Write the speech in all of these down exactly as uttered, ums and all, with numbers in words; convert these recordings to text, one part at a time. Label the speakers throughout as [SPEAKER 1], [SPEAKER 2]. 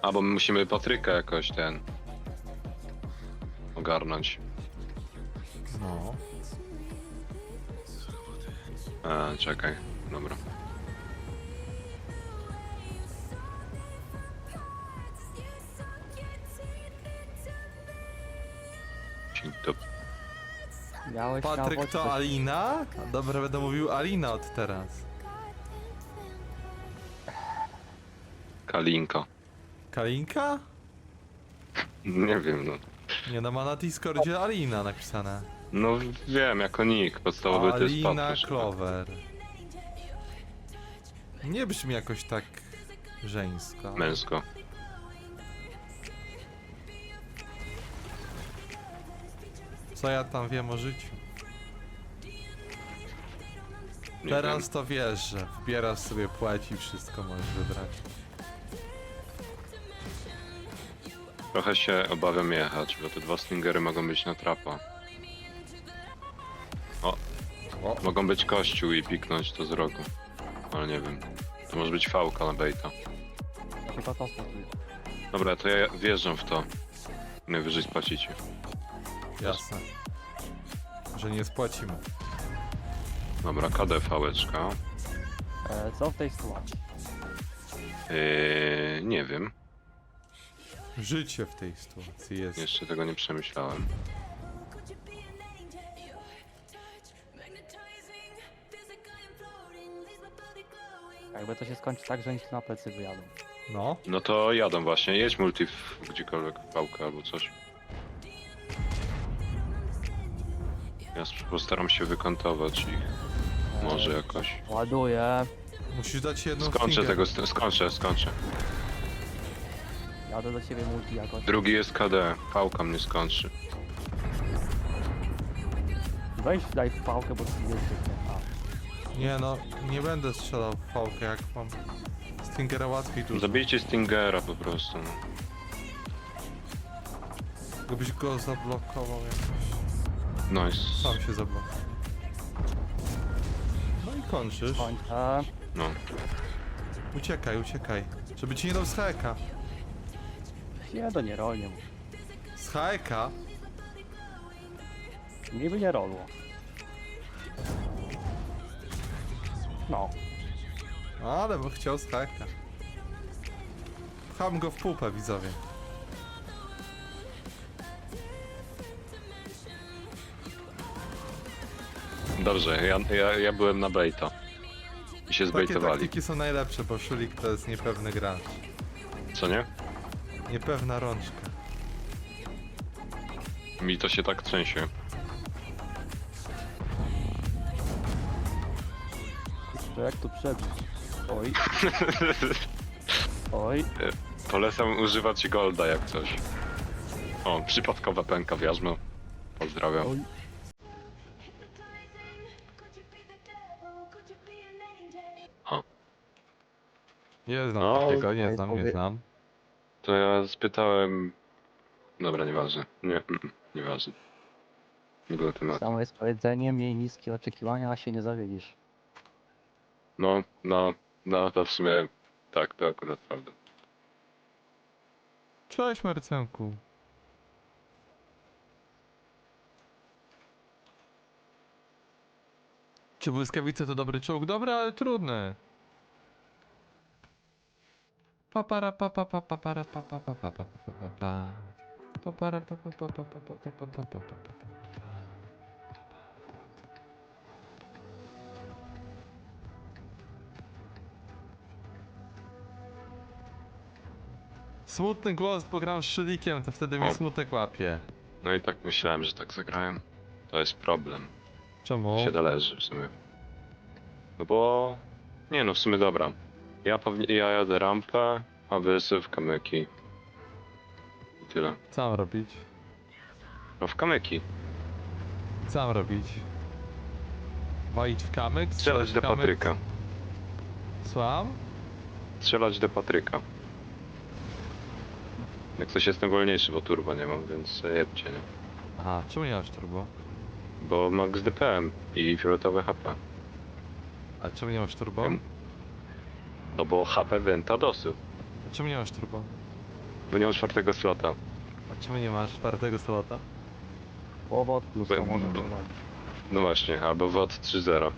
[SPEAKER 1] A, bo my musimy Patryka jakoś ten... ogarnąć.
[SPEAKER 2] No.
[SPEAKER 1] A, czekaj, dobra. Dzień dobry.
[SPEAKER 3] Miałeś
[SPEAKER 2] Patryk
[SPEAKER 3] na
[SPEAKER 2] to Alina? Dobra, będę mówił Alina od teraz.
[SPEAKER 1] Kalinka.
[SPEAKER 2] Kalinka?
[SPEAKER 1] Nie wiem, no.
[SPEAKER 2] Nie, no ma na Discordzie Alina napisane.
[SPEAKER 1] No wiem, jako nick podstawowy to jest
[SPEAKER 2] Alina
[SPEAKER 1] Patryk.
[SPEAKER 2] Clover. Nie brzmi jakoś tak żeńsko.
[SPEAKER 1] Męsko.
[SPEAKER 2] Co ja tam wiem o życiu?
[SPEAKER 1] Nie
[SPEAKER 2] Teraz
[SPEAKER 1] wiem.
[SPEAKER 2] to wiesz, że wbierasz sobie płeć i wszystko możesz wybrać.
[SPEAKER 1] Trochę się obawiam jechać, bo te dwa stingery mogą być na trapa. O,
[SPEAKER 2] O.
[SPEAKER 1] mogą być kościół i piknąć to z rogu. Ale nie wiem. To może być fałka na baita.
[SPEAKER 3] Tylko to spotuje.
[SPEAKER 1] Dobra, to ja wjeżdżam w to. Najwyżej spłacicie.
[SPEAKER 2] Jasne. Że nie spłacimy.
[SPEAKER 1] Dobra, K D fałeczka.
[SPEAKER 3] E, co w tej sytuacji?
[SPEAKER 1] Yy, nie wiem.
[SPEAKER 2] Życie w tej sytuacji jest.
[SPEAKER 1] Jeszcze tego nie przemyślałem.
[SPEAKER 3] Jakby to się skończy tak, że oni się na plecy wyjadą.
[SPEAKER 2] No.
[SPEAKER 1] No to jadą właśnie. Jedź multi w gdziekolwiek, fałkę albo coś. Ja sp- postaram się wykantować ich.
[SPEAKER 3] E,
[SPEAKER 1] Może jakoś.
[SPEAKER 3] Ładuję.
[SPEAKER 2] Musisz dać jedną
[SPEAKER 1] Skończę
[SPEAKER 2] stingę.
[SPEAKER 1] tego, st- skończę, skończę.
[SPEAKER 3] Jadę do ciebie multi jakoś.
[SPEAKER 1] Drugi jest K D, fałka mnie skończy.
[SPEAKER 3] Weź daj w pałkę, bo ci jest zwykle.
[SPEAKER 2] Nie no, nie będę strzelał w fałkę, jak mam Stingera łatwiej dużo.
[SPEAKER 1] Zabijcie Stingera po prostu. no.
[SPEAKER 2] Gdybyś go zablokował jakoś.
[SPEAKER 1] Nice.
[SPEAKER 2] Sam się zablokował. No i kończysz.
[SPEAKER 3] Kończę.
[SPEAKER 1] No.
[SPEAKER 2] Uciekaj, uciekaj. Żeby ci nie dał z hajka.
[SPEAKER 3] Nie, to nie rolnie.
[SPEAKER 2] Z hajka?
[SPEAKER 3] Mi by nie rolło. No.
[SPEAKER 2] Ale bym chciał z hajka. Pcham go w pupę, widzowie.
[SPEAKER 1] Dobrze, ja, ja, ja byłem na baita. I się
[SPEAKER 2] Takie
[SPEAKER 1] zbejtowali.
[SPEAKER 2] taktyki są najlepsze, bo Szulik to jest niepewny gracz.
[SPEAKER 1] Co nie?
[SPEAKER 2] Niepewna rączka.
[SPEAKER 1] Mi to się tak trzęsie.
[SPEAKER 3] To jak tu przebić? Oj. Oj.
[SPEAKER 1] Polecam używać golda jak coś. O, przypadkowa pęka w jarzmo. Pozdrawiam.
[SPEAKER 3] Oj.
[SPEAKER 1] O,
[SPEAKER 2] Nie znam
[SPEAKER 1] No,
[SPEAKER 2] takiego, nie
[SPEAKER 3] ej,
[SPEAKER 2] znam, nie
[SPEAKER 3] powie-
[SPEAKER 2] znam.
[SPEAKER 1] to ja spytałem... Dobra, nieważne. Nie, mm, mm, nieważne. Nie było tematu.
[SPEAKER 3] Samo jest powiedzenie, miej niskie oczekiwania, a się nie zawiedzisz.
[SPEAKER 1] No, no, no to w sumie... Tak, to akurat prawda.
[SPEAKER 2] Cześć Marcenku. Czy błyskawice to dobry czołg? Dobry, ale trudny. Papara pa pa pa pa para pa pa pa pa pa pa pa pa. Papara pa pa pa pa pa pa pa pa pa pa pa. Smutny głos, bo gram z Szylikiem, to wtedy mi
[SPEAKER 1] O.
[SPEAKER 2] smutek łapie.
[SPEAKER 1] No i tak myślałem, że tak zagrałem. To jest problem.
[SPEAKER 2] Czemu?
[SPEAKER 1] Się należy w sumie. No bo... Nie no, w sumie dobra. Ja pewnie... Ja jadę rampę, a wy sobie w kamyki. I tyle.
[SPEAKER 2] Co mam robić?
[SPEAKER 1] No w kamyki.
[SPEAKER 2] Co mam robić? Walić w kamyk?
[SPEAKER 1] Strzelać
[SPEAKER 2] w
[SPEAKER 1] do
[SPEAKER 2] kamyk?
[SPEAKER 1] Patryka.
[SPEAKER 2] Słucham?
[SPEAKER 1] Strzelać do Patryka. Jak coś jestem wolniejszy, bo turbo nie mam, więc jedźcie, nie?
[SPEAKER 2] Aha, czemu nie masz turbo?
[SPEAKER 1] Bo max D P M i fioletowe H P.
[SPEAKER 2] A czemu nie masz turbo?
[SPEAKER 1] Wiem. No bo H P Ventadosu.
[SPEAKER 2] A czemu nie masz turbo?
[SPEAKER 1] Bo nie mam czwartego slota.
[SPEAKER 2] A czemu nie masz czwartego slota?
[SPEAKER 3] Połowa od plus,
[SPEAKER 1] Bo-
[SPEAKER 3] to może
[SPEAKER 1] bo-
[SPEAKER 3] być.
[SPEAKER 1] No właśnie, albo W O T trzy zero.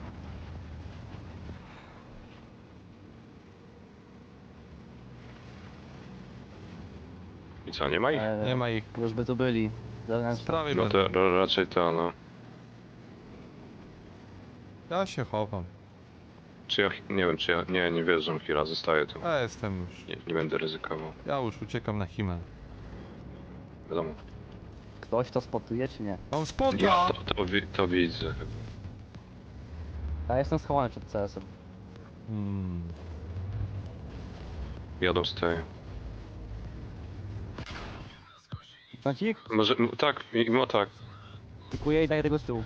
[SPEAKER 1] I co, nie ma ich?
[SPEAKER 3] Eee,
[SPEAKER 2] Nie ma ich.
[SPEAKER 3] Już by tu byli.
[SPEAKER 2] Z
[SPEAKER 3] Zewnętrzne.
[SPEAKER 2] prawej
[SPEAKER 1] No
[SPEAKER 2] będą.
[SPEAKER 1] to ra- raczej to, no.
[SPEAKER 2] Ja się chowam.
[SPEAKER 1] Czy ja, nie wiem, czy ja, nie, nie wierzę, chwila, zostaję tu.
[SPEAKER 2] Ja jestem już.
[SPEAKER 1] Nie, nie będę ryzykował,
[SPEAKER 2] Ja już uciekam na Himmel.
[SPEAKER 1] wiadomo.
[SPEAKER 3] Ktoś to spotuje, czy nie?
[SPEAKER 2] Mam spota!
[SPEAKER 1] Ja to, to, wi- to widzę.
[SPEAKER 3] Ja jestem schowany przed C S-em.
[SPEAKER 2] Hmm.
[SPEAKER 1] Jadą z tej.
[SPEAKER 3] Kącik?
[SPEAKER 1] Może, m- tak, i- no tak.
[SPEAKER 3] Pikuję i daję tego z tyłu.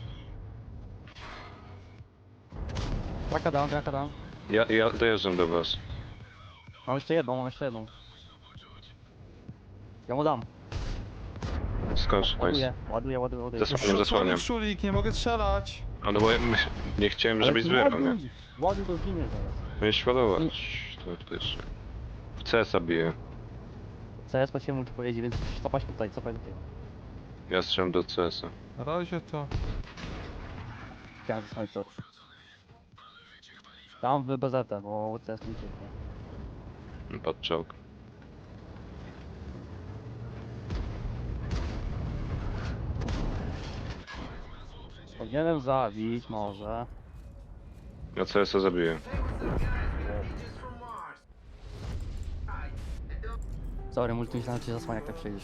[SPEAKER 3] Traka down, traka down.
[SPEAKER 1] Ja, ja dojeżdżam do was.
[SPEAKER 3] Mam jeszcze jedną, mam jeszcze jedną. Ja mu dam.
[SPEAKER 1] Skąd?
[SPEAKER 3] Ładuję, ładuję, ładuję, ładuję.
[SPEAKER 1] Zasłaniam, zasłaniam.
[SPEAKER 2] Szulik, nie mogę strzelać.
[SPEAKER 1] A no bo ja myśl, nie chciałem,
[SPEAKER 3] Ale
[SPEAKER 1] żebyś
[SPEAKER 3] ty
[SPEAKER 1] zbierał, nie?
[SPEAKER 3] ładuj, ładuj, to zginie zaraz.
[SPEAKER 1] Miałeś świadomość. To, to jeszcze. W C S a bije.
[SPEAKER 3] C S po ciemu tu pojedzie, więc cofać tutaj, cofać tutaj.
[SPEAKER 1] Ja strzelam do C S a.
[SPEAKER 2] Na razie to...
[SPEAKER 3] Chciałem zasłonić to. Tam w B Z, bo C S nie ucieknie.
[SPEAKER 1] Pod czołg.
[SPEAKER 3] Powinienem zabić, może.
[SPEAKER 1] Ja C S a zabiję.
[SPEAKER 3] Sorry, multi myślałem, że cię zasłania, jak tak przejdziesz.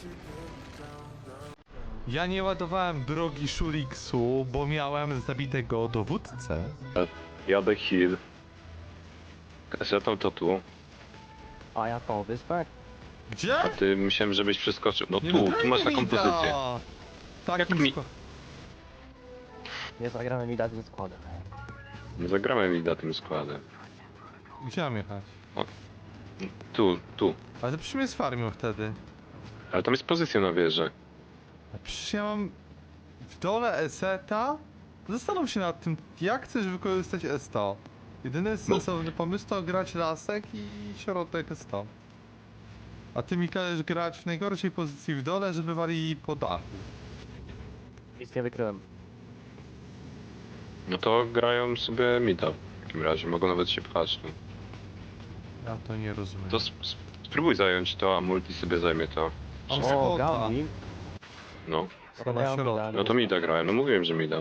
[SPEAKER 2] Ja nie ładowałem drogi Szuliksu, bo miałem zabitego dowódcę.
[SPEAKER 1] Jadę heal. Kasetą to tu.
[SPEAKER 3] A ja to wyspę?
[SPEAKER 2] Gdzie?
[SPEAKER 1] A ty myślałem, żebyś przeskoczył. No
[SPEAKER 2] Nie
[SPEAKER 1] tu,
[SPEAKER 2] no,
[SPEAKER 1] tu masz
[SPEAKER 2] daj
[SPEAKER 1] taką
[SPEAKER 2] mi da!
[SPEAKER 1] pozycję.
[SPEAKER 2] Takim
[SPEAKER 1] Jak mi-
[SPEAKER 2] skła-
[SPEAKER 3] Nie zagramy mi tym składem.
[SPEAKER 1] Nie zagramy mi na tym składem.
[SPEAKER 2] Gdzie mam jechać?
[SPEAKER 1] Tu, tu.
[SPEAKER 2] Ale to przecież mnie sfarmią wtedy.
[SPEAKER 1] Ale tam jest pozycja na wieży.
[SPEAKER 2] A przecież ja mam w dole eseta. Zastanów się nad tym, jak chcesz wykorzystać S sto. Jedyny sensowny pomysł to grać lasek i środek S sto. A ty mi każesz grać w najgorszej pozycji w dole, żeby wali po dachu.
[SPEAKER 3] Nic nie wykryłem.
[SPEAKER 1] No to grają sobie mida. W takim razie mogą nawet się pchać tu.
[SPEAKER 2] Ja to nie rozumiem.
[SPEAKER 1] To sp sp spróbuj zająć to, a multi sobie zajmie to.
[SPEAKER 2] Mam
[SPEAKER 3] O,
[SPEAKER 2] spota.
[SPEAKER 3] Gaunik.
[SPEAKER 1] No.
[SPEAKER 2] To na środku.
[SPEAKER 1] No to mida grałem, no mówiłem, że mida.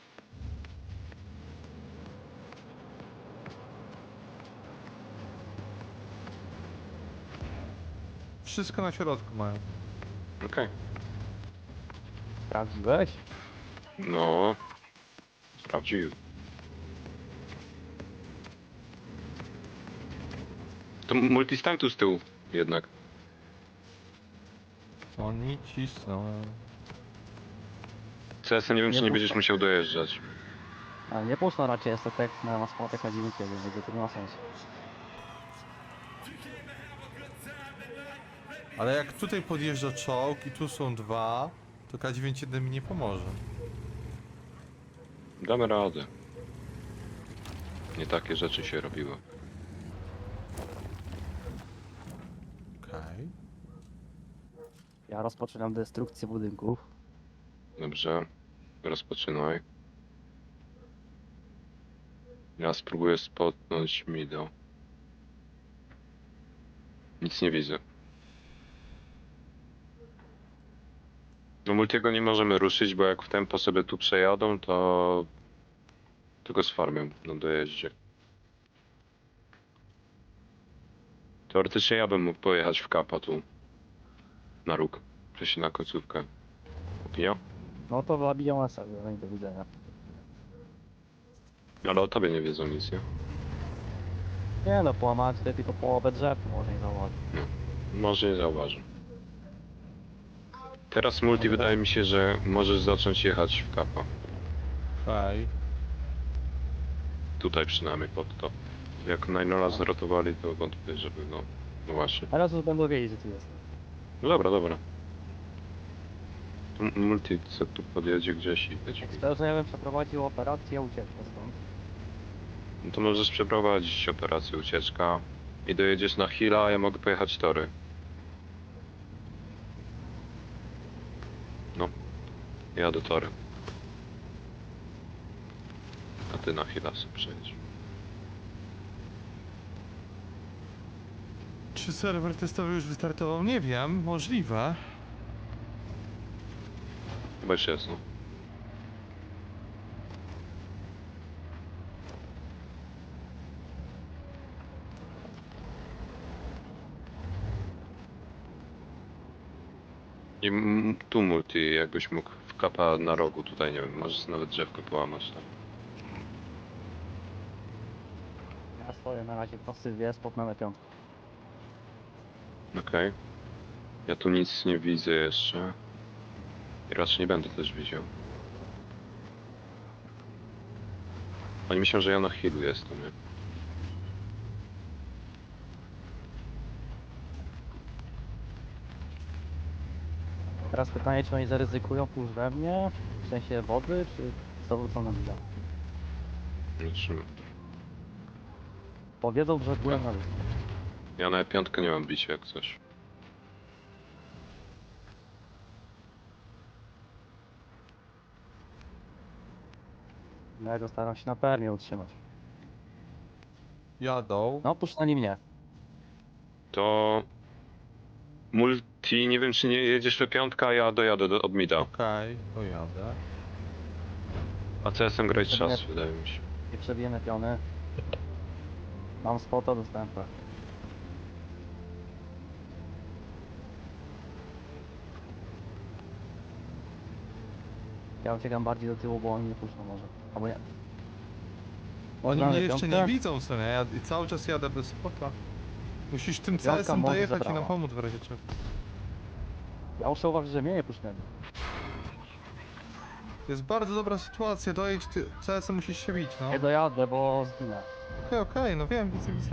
[SPEAKER 2] Wszystko na środku mają.
[SPEAKER 1] Okej.
[SPEAKER 3] Sprawdziłeś?
[SPEAKER 1] No. Sprawdził. To multi stań tu z tyłu jednak.
[SPEAKER 2] Oni cisną.
[SPEAKER 1] C S a nie wiem, czy
[SPEAKER 3] Nie
[SPEAKER 1] nie
[SPEAKER 3] puszczę.
[SPEAKER 1] będziesz musiał dojeżdżać.
[SPEAKER 3] A nie puszczą raczej, jest to tak na na składach na dziewięć jeden, więc to nie ma sensu.
[SPEAKER 2] Ale jak tutaj podjeżdża czołg i tu są dwa, to K dziewięćdziesiąt jeden mi nie pomoże.
[SPEAKER 1] Damy radę. Nie takie rzeczy się robiło.
[SPEAKER 2] Okej.
[SPEAKER 3] Ja rozpoczynam destrukcję budynków.
[SPEAKER 1] Dobrze. Rozpoczynaj. Ja spróbuję spotnąć mido. Nic nie widzę. No multiego nie możemy ruszyć, bo jak w tempo sobie tu przejadą, to tylko z farmią na dojeździe. Teoretycznie ja bym mógł pojechać w kapa tu. Na róg. Przejść na końcówkę. Opinia?
[SPEAKER 3] No to zabiją S A, no i do widzenia.
[SPEAKER 1] Ale o tobie nie wiedzą nic, nie?
[SPEAKER 3] Nie no, połamałem tutaj tylko połowę drzew, może nie zauważyć.
[SPEAKER 1] Może nie zauważę. Teraz multi wydaje mi się, że możesz zacząć jechać w kapa.
[SPEAKER 2] Okej.
[SPEAKER 1] Tutaj przynajmniej pod to. Jak Ninola zrotowali, to wątpię, żeby no... No właśnie.
[SPEAKER 3] Teraz już będą wiedzieć, że tu jest.
[SPEAKER 1] No dobra, dobra. To m- multi co tu podjedzie gdzieś i będzie.
[SPEAKER 3] Szczerze, ja bym przeprowadził operację ucieczkę stąd.
[SPEAKER 1] No to możesz przeprowadzić operację ucieczka i dojedziesz na Hila, a ja mogę pojechać tory. Jadę torem. A ty na chwilę sobie przejdź.
[SPEAKER 2] Czy serwer testowy już wystartował? Nie wiem, możliwe.
[SPEAKER 1] Chyba już jest, no. I m- tu multi, jakbyś mógł w kapa na rogu tutaj, nie wiem, możesz nawet drzewko połamać tam.
[SPEAKER 3] Ja stoję na razie prosty dwie, spotnę piątkę.
[SPEAKER 1] Okej. Ja tu nic nie widzę jeszcze. I raczej nie będę też widział. Oni myślą, że ja na healu jestem, nie?
[SPEAKER 3] Teraz pytanie, czy oni zaryzykują pójść we mnie, w sensie wody, czy zawrócą na mida.
[SPEAKER 1] Zobaczymy.
[SPEAKER 3] Powiedzą, że byłem na dół.
[SPEAKER 1] Ja na piątkę nie mam bicia jak coś.
[SPEAKER 3] No ja go staram się na permie utrzymać.
[SPEAKER 2] Jadą.
[SPEAKER 3] No puszczali mnie.
[SPEAKER 1] To... Multi, nie wiem czy nie jedziesz we piątkę, a ja dojadę do, od mida.
[SPEAKER 2] Okej, to jadę.
[SPEAKER 1] A C S M grać czas, wydaje mi się.
[SPEAKER 3] Nie przebijemy piony. Mam spota, dostałem pech. Ja uciekam bardziej do tyłu, bo oni nie puszczą może. Albo nie.
[SPEAKER 2] Oni
[SPEAKER 3] Mamy
[SPEAKER 2] mnie jeszcze
[SPEAKER 3] piątkę.
[SPEAKER 2] nie widzą, co nie? Ja i cały czas jadę bez spota. Musisz tym
[SPEAKER 3] Piątka
[SPEAKER 2] C S em
[SPEAKER 3] może
[SPEAKER 2] dojechać i
[SPEAKER 3] zabrała.
[SPEAKER 2] nam pomóc w razie czego.
[SPEAKER 3] Ja muszę uważać, że mnie nie puszczą.
[SPEAKER 2] Jest bardzo dobra sytuacja, dojedź ty, C S em musisz się bić, no.
[SPEAKER 3] Nie dojadę, bo zginę.
[SPEAKER 2] Okej, okej, no wiem, widzę, widzę.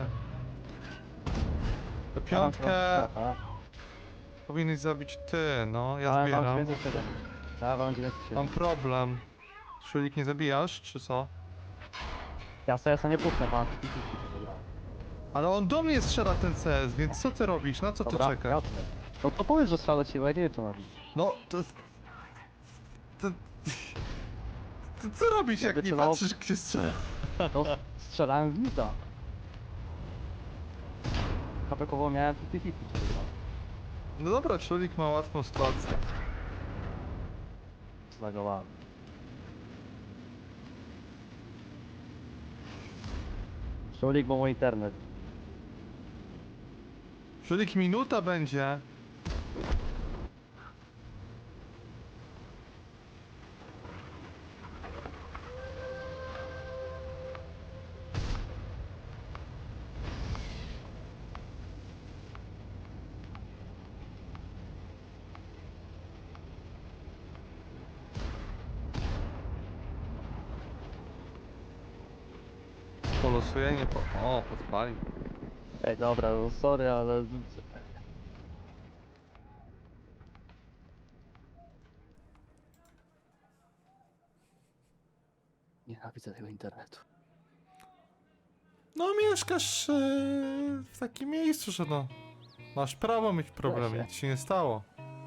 [SPEAKER 2] To
[SPEAKER 3] Ja mam
[SPEAKER 2] piątkę
[SPEAKER 3] trochę-
[SPEAKER 2] powinieneś zabić ty, no, ja
[SPEAKER 3] Ale mam
[SPEAKER 2] zbieram.
[SPEAKER 3] dziewięćset siedem. Ja mam dziewięćset siedem.
[SPEAKER 2] Mam problem. Szulik nie zabijasz, czy co?
[SPEAKER 3] Ja C S a nie puszczę, pan.
[SPEAKER 2] Ale on do mnie strzela ten C S, więc co ty robisz? Na co ty
[SPEAKER 3] Dobra,
[SPEAKER 2] czekasz?
[SPEAKER 3] jasne. No to powiedz, że strzelę ci, bo ja nie wiem co robić.
[SPEAKER 2] No, to... To... To co robisz, jak
[SPEAKER 3] Jakby
[SPEAKER 2] nie
[SPEAKER 3] celował-
[SPEAKER 2] patrzysz, gdzie strzela?
[SPEAKER 3] To strzelałem w mida. Kapekowo miałem fifty fifty.
[SPEAKER 2] No dobra, Szulik ma łatwą sytuację.
[SPEAKER 3] Zlagowałem. Szulik, bo mój internet.
[SPEAKER 2] Szulik minuta będzie. Polosuje, nie po... O, podpalił.
[SPEAKER 3] Ej, dobra, no sorry, ale... Nienawidzę tego internetu.
[SPEAKER 2] No mieszkasz yy, w takim miejscu, że no... Masz prawo mieć problemy,
[SPEAKER 3] Weź się.
[SPEAKER 2] nic się nie stało.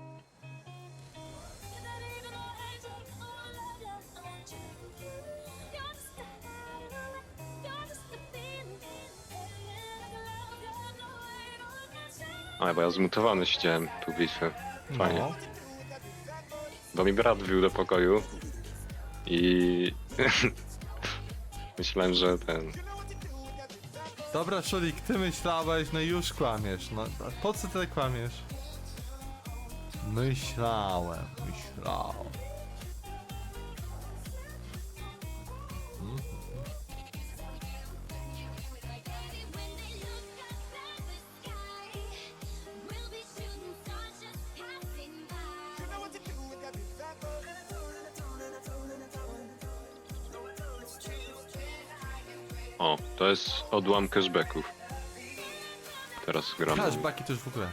[SPEAKER 1] A, bo ja zmutowany siedziałem tu bitwy. Fajnie.
[SPEAKER 2] No.
[SPEAKER 1] Bo mi brat wbił do pokoju i myślałem, że ten.
[SPEAKER 2] Dobra, Szulik, ty myślałeś, no i już kłamiesz. No, a po co ty kłamiesz? Myślałem, myślałem. Mhm.
[SPEAKER 1] O, to jest odłam cashbacków. Teraz gram.
[SPEAKER 2] Cashbacki to już w ogóle.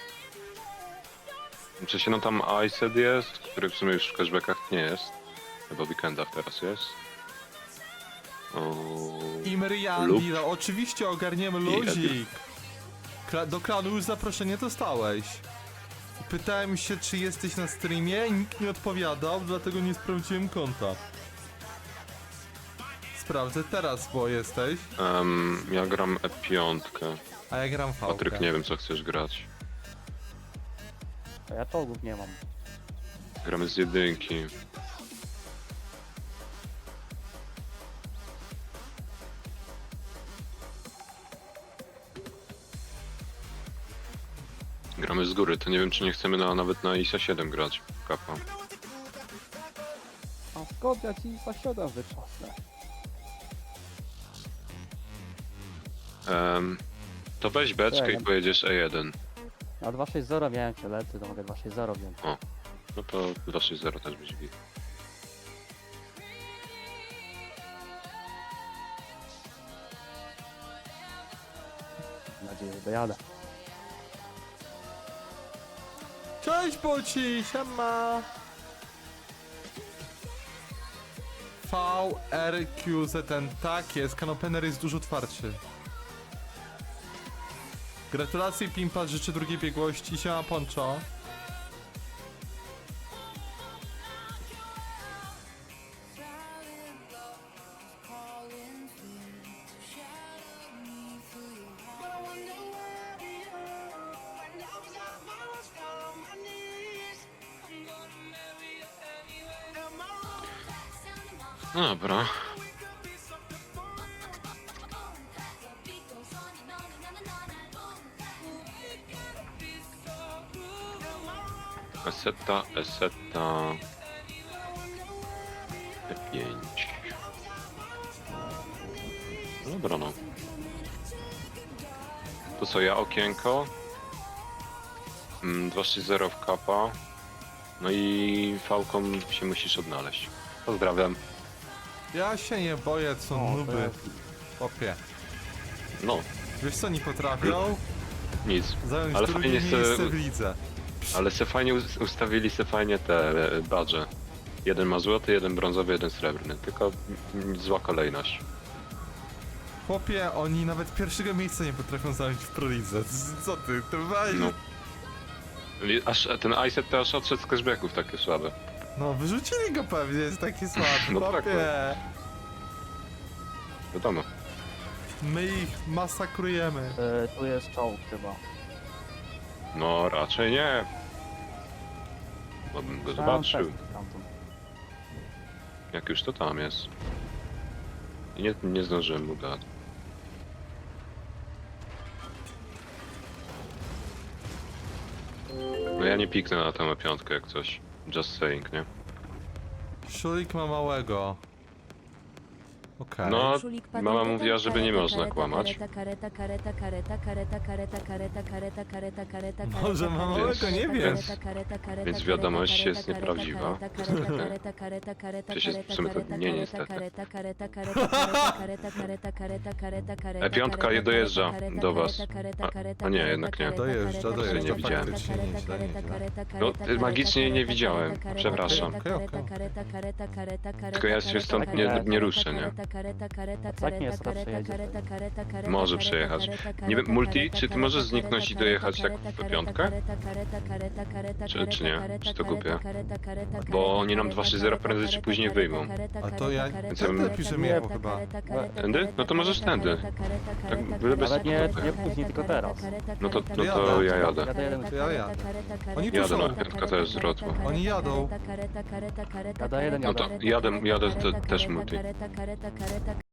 [SPEAKER 1] Czy się no tam I S E D jest, który w sumie już w cashbackach nie jest. Chyba w weekendach teraz jest. O...
[SPEAKER 2] Imrian,
[SPEAKER 1] Lub-
[SPEAKER 2] no oczywiście ogarniemy
[SPEAKER 1] I
[SPEAKER 2] luzik. Kla do klanu już zaproszenie dostałeś. Pytałem się, czy jesteś na streamie i nikt nie odpowiadał, dlatego nie sprawdziłem konta. Sprawdzę teraz, bo jesteś,
[SPEAKER 1] Um, ja gram E pięć.
[SPEAKER 2] a ja gram v
[SPEAKER 1] Patryk, nie wiem co chcesz grać.
[SPEAKER 3] A ja czołgów nie mam.
[SPEAKER 1] Gramy z jedynki. Gramy z góry, to nie wiem czy nie chcemy na, nawet na I S A siedem grać. Kapa.
[SPEAKER 3] A skąd ja ci zasiadam wyczasne?
[SPEAKER 1] Um, to weź beczkę i
[SPEAKER 3] Czekaj.
[SPEAKER 1] pojedziesz E jeden.
[SPEAKER 3] Na dwa sześć zero miałem przelety, to mogę dwa sześć zero wziąć.
[SPEAKER 1] No to dwa sześć zero też będzie git.
[SPEAKER 3] Mam nadzieję, że dojadę.
[SPEAKER 2] Cześć Boci, siema! V R Q Z N, tak jest, kanopener jest dużo twardszy. Gratulacje Pimpa, życzę drugiej biegłości, siema Poncho.
[SPEAKER 1] No dobra. Eseta, Eseta. E pięć. Dobra no. To co, ja okienko. Mm, dwa sześć zero w kapa. No i Falcon się musisz odnaleźć. Pozdrawiam.
[SPEAKER 2] Ja się nie boję, co
[SPEAKER 3] O, to
[SPEAKER 2] nuby,
[SPEAKER 3] jest-
[SPEAKER 2] chłopie.
[SPEAKER 1] No,
[SPEAKER 2] Wiesz co, nie potrafią
[SPEAKER 1] nic.
[SPEAKER 2] zająć
[SPEAKER 1] Ale
[SPEAKER 2] drugie
[SPEAKER 1] fajnie se-
[SPEAKER 2] miejsce w lidze.
[SPEAKER 1] Ale se fajnie us- ustawili se fajnie te e, badże. Jeden ma złoty, jeden brązowy, jeden srebrny. Tylko mm, zła kolejność.
[SPEAKER 2] Chłopie, oni nawet pierwszego miejsca nie potrafią zająć w prolidze. Z- Co ty, to weź...
[SPEAKER 1] No. Li- Aż ten iSet to aż odszedł z cashbacków takie słabe.
[SPEAKER 2] No, wyrzucili go pewnie, jest taki słaby,
[SPEAKER 1] No tak,
[SPEAKER 2] chłopie.
[SPEAKER 1] Wiadomo.
[SPEAKER 2] My ich masakrujemy.
[SPEAKER 3] E, tu jest czołg chyba.
[SPEAKER 1] No raczej nie. Bo bym go
[SPEAKER 3] Tam
[SPEAKER 1] zobaczył.
[SPEAKER 3] testy tamtąd.
[SPEAKER 1] Jak już to tam jest. I nie, nie zdążyłem mu dać. No ja nie piknę na tę piątkę jak coś. Just saying, nie?
[SPEAKER 2] Szulik ma małego. Okej.
[SPEAKER 1] No,
[SPEAKER 4] Szulik,
[SPEAKER 1] mama
[SPEAKER 4] patenta,
[SPEAKER 1] mówiła, żeby nie
[SPEAKER 4] kareta,
[SPEAKER 1] można
[SPEAKER 4] kareta,
[SPEAKER 1] kłamać.
[SPEAKER 4] Kareta, kareta, kareta, kareta, kareta, kareta, kareta, kareta, kareta, kareta,
[SPEAKER 2] Może
[SPEAKER 4] kareta,
[SPEAKER 2] ma
[SPEAKER 1] małego,
[SPEAKER 4] kareta,
[SPEAKER 1] nie
[SPEAKER 4] kareta,
[SPEAKER 1] wiem.
[SPEAKER 4] kareta, kareta,
[SPEAKER 1] Więc
[SPEAKER 4] kareta,
[SPEAKER 1] wiadomość
[SPEAKER 4] kareta,
[SPEAKER 1] jest
[SPEAKER 4] kareta,
[SPEAKER 1] nieprawdziwa.
[SPEAKER 4] kareta, kareta, kareta, kareta,
[SPEAKER 1] Przecież
[SPEAKER 4] kareta,
[SPEAKER 1] w sumie to
[SPEAKER 4] kareta,
[SPEAKER 1] nie,
[SPEAKER 4] kareta,
[SPEAKER 1] niestety.
[SPEAKER 4] kareta, kareta, kareta, kareta, kareta, kareta, kareta, kareta,
[SPEAKER 1] E pięć
[SPEAKER 4] kareta,
[SPEAKER 1] dojeżdża
[SPEAKER 4] kareta,
[SPEAKER 1] do was.
[SPEAKER 4] kareta, kareta,
[SPEAKER 1] A-
[SPEAKER 4] kareta,
[SPEAKER 1] a nie,
[SPEAKER 4] kareta,
[SPEAKER 1] jednak nie.
[SPEAKER 4] kareta,
[SPEAKER 2] Dojeżdża,
[SPEAKER 4] kareta,
[SPEAKER 1] dojeżdża,
[SPEAKER 4] kareta,
[SPEAKER 1] faktycznie
[SPEAKER 4] kareta,
[SPEAKER 2] nieźle,
[SPEAKER 4] kareta,
[SPEAKER 2] nieźle.
[SPEAKER 4] kareta,
[SPEAKER 1] No,
[SPEAKER 4] kareta,
[SPEAKER 1] magicznie
[SPEAKER 4] kareta,
[SPEAKER 1] nie widziałem,
[SPEAKER 4] kareta,
[SPEAKER 1] przepraszam.
[SPEAKER 4] kareta,
[SPEAKER 2] Okej, okej.
[SPEAKER 4] kareta, kareta, kareta, kareta,
[SPEAKER 1] Tylko ja się
[SPEAKER 4] kareta,
[SPEAKER 1] stąd
[SPEAKER 4] kareta,
[SPEAKER 1] nie, nie ruszę, nie?
[SPEAKER 4] kareta, kareta, kareta,
[SPEAKER 3] A tak nie jest,
[SPEAKER 4] kareta,
[SPEAKER 3] raczej
[SPEAKER 4] kareta,
[SPEAKER 3] jedzie.
[SPEAKER 4] kareta, kareta,
[SPEAKER 1] Może
[SPEAKER 4] kareta,
[SPEAKER 1] przejechać.
[SPEAKER 4] kareta,
[SPEAKER 1] Nie wiem,
[SPEAKER 4] kareta,
[SPEAKER 1] Multi,
[SPEAKER 4] kareta,
[SPEAKER 1] czy ty możesz
[SPEAKER 4] kareta,
[SPEAKER 1] zniknąć i
[SPEAKER 4] kareta,
[SPEAKER 1] dojechać
[SPEAKER 4] kareta,
[SPEAKER 1] tak w
[SPEAKER 4] kareta,
[SPEAKER 1] piątkę?
[SPEAKER 4] kareta, kareta, kareta, kareta,
[SPEAKER 1] Czy-
[SPEAKER 4] kareta,
[SPEAKER 1] czy nie?
[SPEAKER 4] kareta,
[SPEAKER 1] Czy to
[SPEAKER 4] kareta,
[SPEAKER 1] kupię?
[SPEAKER 4] kareta, kareta,
[SPEAKER 1] Bo
[SPEAKER 4] kareta,
[SPEAKER 1] oni nam
[SPEAKER 4] kareta,
[SPEAKER 1] dwa sześć zero
[SPEAKER 4] kareta,
[SPEAKER 1] prędzej czy
[SPEAKER 4] kareta,
[SPEAKER 1] później
[SPEAKER 4] kareta,
[SPEAKER 1] wyjmą.
[SPEAKER 4] kareta,
[SPEAKER 2] A to ja
[SPEAKER 4] kareta,
[SPEAKER 2] wtedy
[SPEAKER 4] kareta,
[SPEAKER 2] piszemy
[SPEAKER 4] kareta,
[SPEAKER 2] chyba.
[SPEAKER 4] kareta, kareta,
[SPEAKER 1] Tędy?
[SPEAKER 4] kareta,
[SPEAKER 1] No to możesz
[SPEAKER 4] kareta,
[SPEAKER 1] tędy.
[SPEAKER 4] kareta, kareta,
[SPEAKER 1] Tak,
[SPEAKER 4] kareta,
[SPEAKER 1] byle bez
[SPEAKER 4] kareta,
[SPEAKER 3] nie-
[SPEAKER 4] kareta,
[SPEAKER 3] nie później, tylko
[SPEAKER 4] kareta,
[SPEAKER 3] teraz.
[SPEAKER 4] kareta,
[SPEAKER 1] No to-
[SPEAKER 4] kareta,
[SPEAKER 1] no to
[SPEAKER 4] kareta,
[SPEAKER 1] ja jadę.
[SPEAKER 4] kareta,
[SPEAKER 3] Ja jadę.
[SPEAKER 4] kareta,
[SPEAKER 2] To ja jadę.
[SPEAKER 4] kareta, kareta,
[SPEAKER 2] Oni
[SPEAKER 4] kareta,
[SPEAKER 2] tuszą.
[SPEAKER 1] Jadę, no,
[SPEAKER 4] kareta,
[SPEAKER 1] piątka to jest
[SPEAKER 4] kareta,
[SPEAKER 1] zwrotła.
[SPEAKER 4] kareta,
[SPEAKER 2] Oni jadą.
[SPEAKER 4] kareta, kareta, kareta, kareta,
[SPEAKER 3] Jadę jeden,
[SPEAKER 4] kareta,
[SPEAKER 1] No to
[SPEAKER 4] kareta,
[SPEAKER 1] jadę-
[SPEAKER 4] kareta,
[SPEAKER 1] jadę
[SPEAKER 4] kareta,
[SPEAKER 1] te- też
[SPEAKER 4] kareta,
[SPEAKER 1] multi.
[SPEAKER 4] kareta, kareta, kareta,